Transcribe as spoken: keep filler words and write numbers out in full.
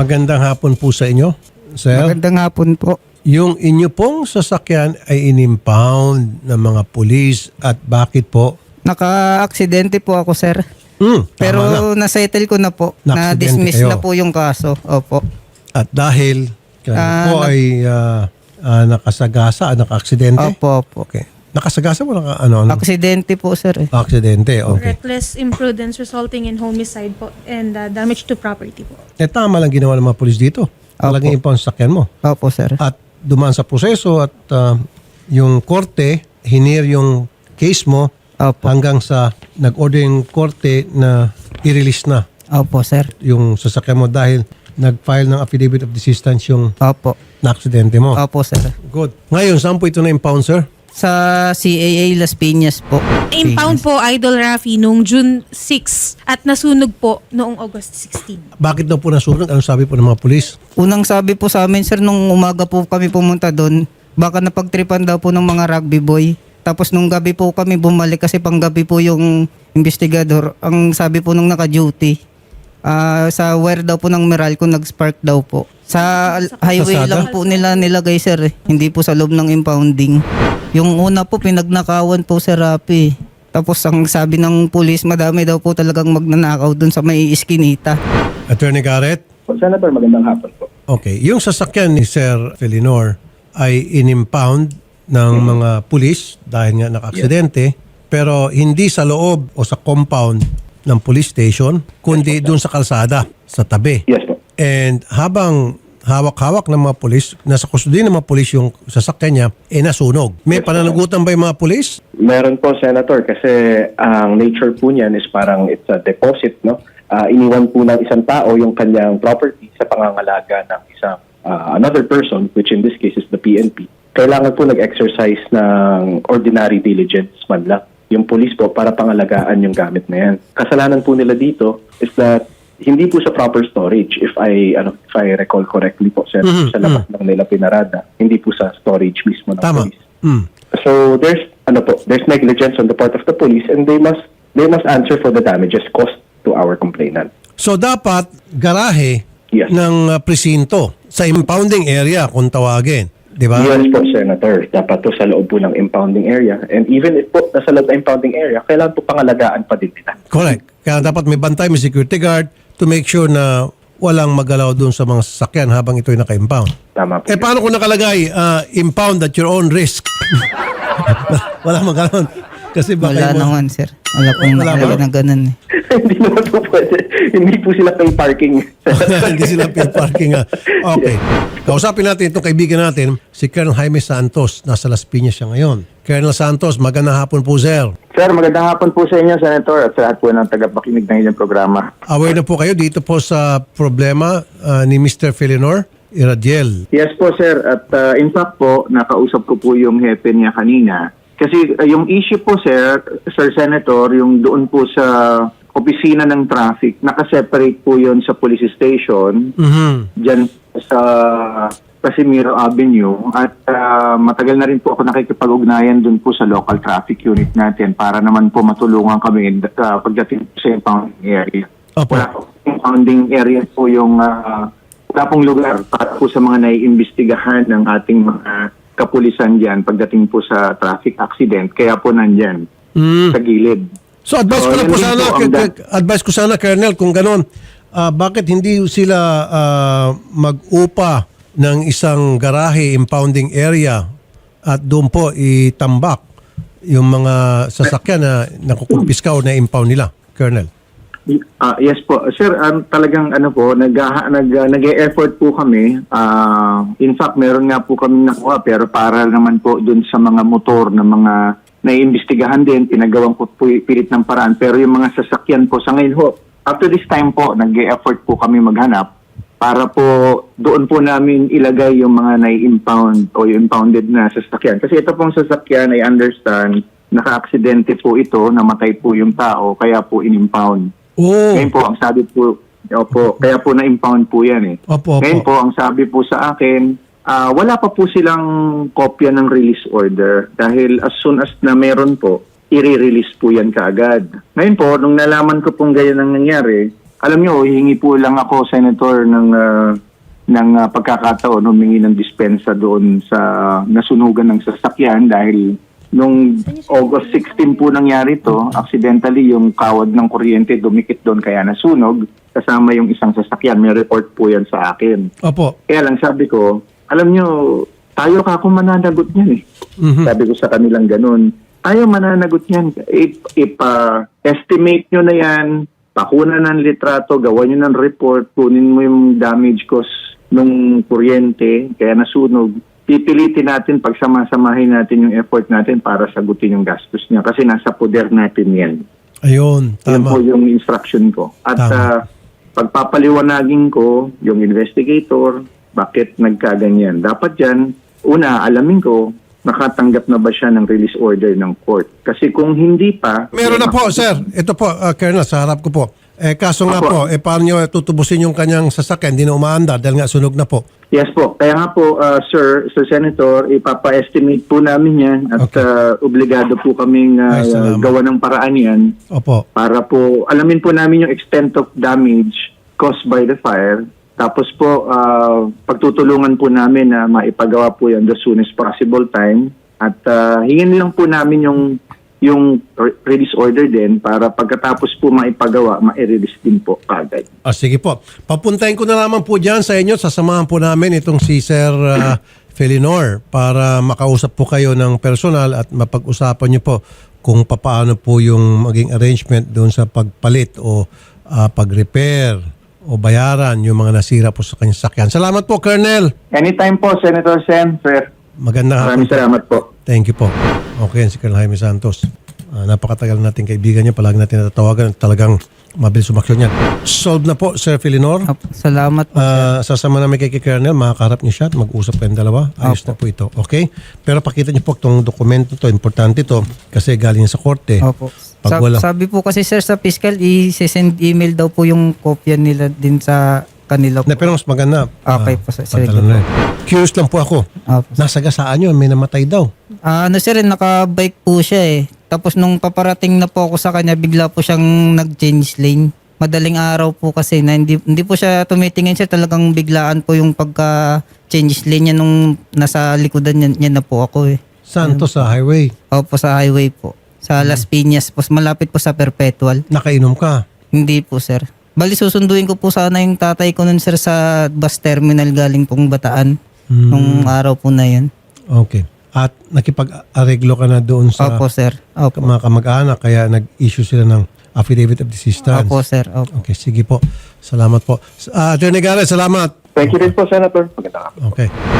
Magandang hapon po sa inyo, sir. Magandang hapon po. Yung inyo pong sasakyan ay in-impound ng mga pulis at bakit po? Naka-aksidente po ako, sir. Hmm, tama Pero na. na-settle ko na po. Na-aksidente Na-dismiss kayo. na po yung kaso. Opo. At dahil kayo Ah, po nag- ay ah, ah, nakasagasa, naka-aksidente? Opo, opo. Okay. Nakasagasa mo naka, ano, ano? Aksidente po, sir. eh. Aksidente, okay. Reckless imprudence resulting in homicide po and uh, damage to property po. Eh, tama lang ginawa ng mga pulis dito. Talagang impound sa sasakyan mo. Opo, sir. At dumaan sa proseso at ah, yung korte, hinir yung case mo Opo. hanggang sa nag-order yung korte na i-release na Opo, sir. yung sasakyan mo dahil nag-file ng affidavit of desistance yung Opo. na-aksidente mo. Opo, sir. Good. Ngayon, saan po ito na-impound, sir? Sa C A A Las Piñas po. Impound po, Idol Rafi, noong June sixth at nasunog po noong August sixteenth. Bakit daw po nasunog? Anong sabi po ng mga pulis? Unang sabi po sa amin, sir, nung umaga po kami pumunta doon, baka napagtripan daw po ng mga rugby boy. Tapos nung gabi po kami bumalik kasi panggabi po yung investigador. Ang sabi po nung naka-duty, ah, sa wire daw po ng Meralco nag-spark daw po. Sa al- highway Kalsada? lang po nila nilagay, sir. Eh. Hindi po sa loob ng impounding. Yung una po, pinagnakawan po, Sir Rapi. Tapos ang sabi ng pulis, madami daw po talagang magnanakaw dun sa may iskinita. Attorney Garrett? Senator, magandang hapon po. Okay. Yung sasakyan ni Sir Felinor ay in-impound ng mga pulis dahil nga naka-aksidente, pero hindi sa loob o sa compound ng police station, kundi doon sa kalsada, sa tabi. Yes po. And habang hawak-hawak ng mga pulis, nasa custody ng mga pulis yung sasakyan niya, eh nasunog. May pananagutan ba yung mga pulis? Meron po, Senator, kasi ang nature po niyan is parang it's a deposit, no? Ah, iniwan po ng isang tao yung kanyang property sa pangangalaga ng isang ah, another person, which in this case is the P N P. Kailangan po nag-exercise ng ordinary diligence man lang yung police po para pangalagaan yung gamit na yan. Kasalanan po nila dito is that hindi po sa proper storage, if I ano if I recall correctly po, sir, Mhm, sa labas lang nila pinarada, hindi po sa storage mismo ng Tama. police. Mm. So there's ano po, there's negligence on the part of the police and they must they must answer for the damages caused to our complainant. So dapat garahe Yes. ng uh, presinto sa impounding area kung tawagin. Di ba? Yes po, Senator. Dapat to sa loob po ng impounding area. And even if po nasa loob ng impounding area, kailangan po pangalagaan pa din nila. Correct. Kaya dapat may bantay, may security guard to make sure na walang magalaw doon sa mga sasakyan habang ito'y naka-impound. Tama po. Eh paano kung nakalagay, uh, impound at your own risk? Wala magalaw. Kasi baka Wala yung- naman, sir. Wala pong Wala nakalagay ba? na ganun. Eh. Hindi naman po pwede. Hindi po sila pay parking. Hindi sila pay parking. ah. Okay. Kausapin natin itong kaibigan natin, si Colonel Jaime Santos. Nasa Las Piñas siya ngayon. Colonel Santos, magandang hapon po, sir. Sir, magandang hapon po sa inyo, Senator, at sa lahat po ng tagapakinig ng inyong programa. Aware na po kayo dito po sa problema ah, ni Mister Felinor Iradiel. Yes po, sir. At uh, in fact po, nakausap ko po yung hepe niya kanina. Kasi uh, yung issue po, sir, Sir Senator, yung doon po sa opisina ng traffic, nakaseparate po yon sa police station, Mhm. dyan sa Casimiro Avenue. At uh, matagal na rin po ako nakikipag-ugnayan doon po sa local traffic unit natin para naman po matulungan kami uh, pagdating sa impounding area. Opo. Wala po impounding area po yung uh, wala pong lugar para po sa mga naiimbestigahan ng ating mga kapulisan dyan pagdating po sa traffic accident. Kaya po nandyan Mm. sa gilid. So advice ko So, lang yun po din sana, po ang k- da- k- advice ko sana, Colonel, kung ganon, ah, bakit hindi sila ah, mag-upa ng isang garahe impounding area at doon po itambak yung mga sasakyan na nakukumpiska o na-impound nila, Colonel? Ah, yes po. Sir, um, talagang ano po, nag, nag, nag-e-effort po kami. Ah, in fact, meron nga po kami nakuha pero para naman po dun sa mga motor na mga naiimbestigahan din, pinagawang po po pilit ng paraan. Pero yung mga sasakyan po sa ngayon ho, up to this time po, nag-e-effort po kami maghanap para po doon po namin ilagay yung mga nai-impound o yung impounded na sasakyan. Kasi ito pong sasakyan, I understand, naka-aksidente po ito, namatay po yung tao, kaya po in-impound. Oh, Ngayon po, ang sabi po, opo, kaya po na-impound po yan eh. opo, opo. Ngayon po, ang sabi po sa akin, ah, wala pa po silang kopya ng release order dahil as soon as na meron po, i-release po yan kaagad. Ngayon po, nung nalaman ko pong ganyan ang nangyari, alam nyo, hingi po lang ako, Senator, ng, ah, ng ah, pagkakataon, humingi ng dispensa doon sa nasunugan ng sasakyan dahil nung August sixteen po nangyari to, accidentally yung kawad ng kuryente dumikit doon kaya nasunog, kasama yung isang sasakyan. May report po yan sa akin. Opo. Kaya lang sabi ko, alam nyo, tayo ka kung mananagot niyan eh. Mhm. Sabi ko sa kanilang ganun, tayo mananagot niyan. If, if ah, estimate nyo na yan, pakuna ng litrato, gawa nyo ng report, kunin mo yung damage cost nung kuryente, kaya nasunog, pipilitin natin, pagsama-samahin natin yung effort natin para sagutin yung gastos niya. Kasi nasa poder natin yan. Ayun, Yan tama. po yung instruction ko. At Tama. ah, pagpapaliwanagin ko yung investigator, bakit nagkaganyan. Dapat yan, una, alamin ko, nakatanggap na ba siya ng release order ng court. Kasi kung hindi pa... Meron na po, sir. Ito po, uh, Colonel, sa harap ko po. Eh, kaso nga po, Apo. eh, paano nyo tutubusin yung kanyang sasakyan? Hindi na umaandar dahil nga sunog na po. Yes po. Kaya nga po, uh, sir, Sir Senator, ipapa-estimate po namin yan at Okay. uh, obligado po kaming uh, Ay, salamat. gawa ng paraan yan Opo. para po alamin po namin yung extent of damage caused by the fire. Tapos po, uh, pagtutulungan po namin na maipagawa po yan the soonest possible time. At uh, hingin lang po namin yung yung re- release order din para pagkatapos po maipagawa, ma-release din po kagad. Ah, sige po. Papuntahin ko na lamang po dyan sa inyo. Sasamahan po namin itong si Sir uh, Felinor para makausap po kayo ng personal at mapag-usapan nyo po kung paano po yung maging arrangement doon sa pagpalit o uh, pag-repair o bayaran yung mga nasira po sa kanyang sakyan. Salamat po, Colonel. Anytime po, Senator Sen, sir. Magandang hapon. Maraming salamat po. Thank you po. Okay, si Colonel Jaime Santos. Ah, napakatagal nating kaibigan niya. Palagi natin natatawagan. Talagang mabilis umaksyon yan. Solve na po, Sir Felinor. Opo, salamat po. Ah, sasama namin kay Colonel. Makakaharap niyo siya at mag-usap kayong dalawa. Ayos na po ito. Okay? Pero pakita niyo po itong dokumento to. Importante to kasi galing sa korte. Opo. Pag Sa- wala. Sabi po kasi sir sa fiscal, i-send email daw po yung kopya nila din sa kanila po. Na, pero mas maganda. Okay ah, po, sir. pantalan Sige na rin. Curious lang po ako. Opo. Nasa gasaan yun. May namatay daw. Ah, ano sir, naka-bike po siya eh. Tapos nung paparating na po ako sa kanya, bigla po siyang nag-change lane. Madaling araw po kasi na hindi, hindi po siya tumitingin siya. Talagang biglaan po yung pagka-change lane niya nung nasa likodan niya, niya na po ako eh. Saan to sa highway? Opo, sa highway po. Sa Las Piñas po. Malapit po sa Perpetual. Nakainom ka. Hindi po sir. Bali susunduin ko po sana yung tatay ko nun sir sa bus terminal galing pong Bataan. Hmm. Nung araw po na yun. Okay. At nakipag-areglo ka na doon sa Opo sir. Opo. mga kamag-anak kaya nag-issue sila ng affidavit of desistance. Opo sir. Opo. Okay, sige po. Salamat po. Uh, Attorney Garrett, salamat. Thank you din po, Senator. Magandang hapon. Okay.